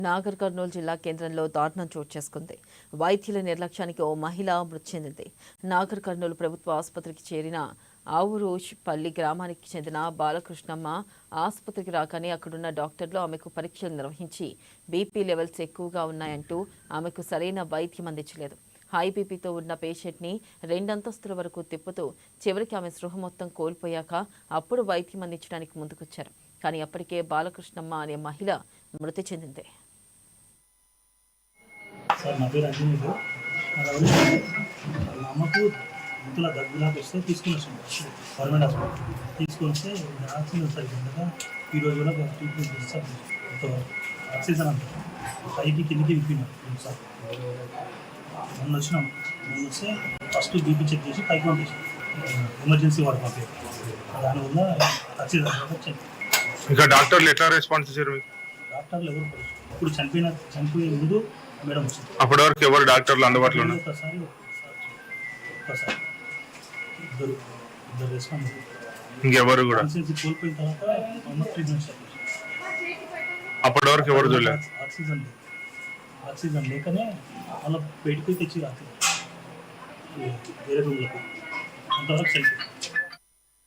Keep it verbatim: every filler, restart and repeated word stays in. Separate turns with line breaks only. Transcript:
నాగర్ కర్నూలు జిల్లా కేంద్రంలో దారుణం చోటు చేసుకుంది. వైద్యుల నిర్లక్ష్యానికి ఓ మహిళ మృతి చెందింది. నాగర్ కర్నూలు ప్రభుత్వ ఆసుపత్రికి చేరిన ఆవురోష్పల్లి గ్రామానికి చెందిన బాలకృష్ణమ్మ ఆసుపత్రికి రాగానే అక్కడున్న డాక్టర్లు ఆమెకు పరీక్షలు నిర్వహించి బీపీ లెవెల్స్ ఎక్కువగా ఉన్నాయంటూ ఆమెకు సరైన వైద్యం అందించలేదు. హై బీపీతో ఉన్న పేషెంట్ని రెండంతస్తుల వరకు తిప్పుతూ చివరికి ఆమె స్పృహ మొత్తం కోల్పోయాక అప్పుడు వైద్యం అందించడానికి ముందుకొచ్చారు. కానీ అప్పటికే బాలకృష్ణమ్మ అనే మహిళ మృతి చెందింది.
సార్ నా పేరు అంజనీయుడు. మా అమ్మకు ఇంట్లో దగ్గులాగా వస్తే తీసుకుని వచ్చాను గవర్నమెంట్ హాస్పిటల్ తీసుకొని వస్తే ఆక్సిజన్ సరిగ్గా ఈరోజు కూడా ట్రీట్మెంట్ చేస్తారు. ఆక్సిజన్ అంత పైకి కిందికి విప్పినారు సార్. మొన్న వచ్చినాం మొన్న వస్తే ఫస్ట్ బీపీ చెక్ చేసి పైకి పంపించాం. ఎమర్జెన్సీ వాడు పంపారు. దానివల్ల ఆక్సిజన్ వచ్చాయి.
ఇంకా డాక్టర్లు ఎట్లా రెస్పాన్స్ ఇచ్చారు?
డాక్టర్లు ఎవరు ఇప్పుడు చనిపోయిన చనిపోయే ముందు మేడం వచ్చింది.
అప్పటి వరకు ఎవరు డాక్టర్లు అందుబాటులో ఉన్నారు?
ఒకసారి ఒకసారి ఇద్దరు ఇద్దరు రెస్పాన్స్.
ఇంకెవరు కూడా
కోల్పోయిన తర్వాత ట్రీట్మెంట్ స్టార్ట్ చేశారు.
అప్పటి వరకు ఎవరు చూడలేదు.
ఆక్సిజన్ ఆక్సిజన్ లేకనే వాళ్ళ బయటకు తెచ్చి ఆక్సిజన్ వేరే రూమ్లకు అంతవరకు చనిపోయింది.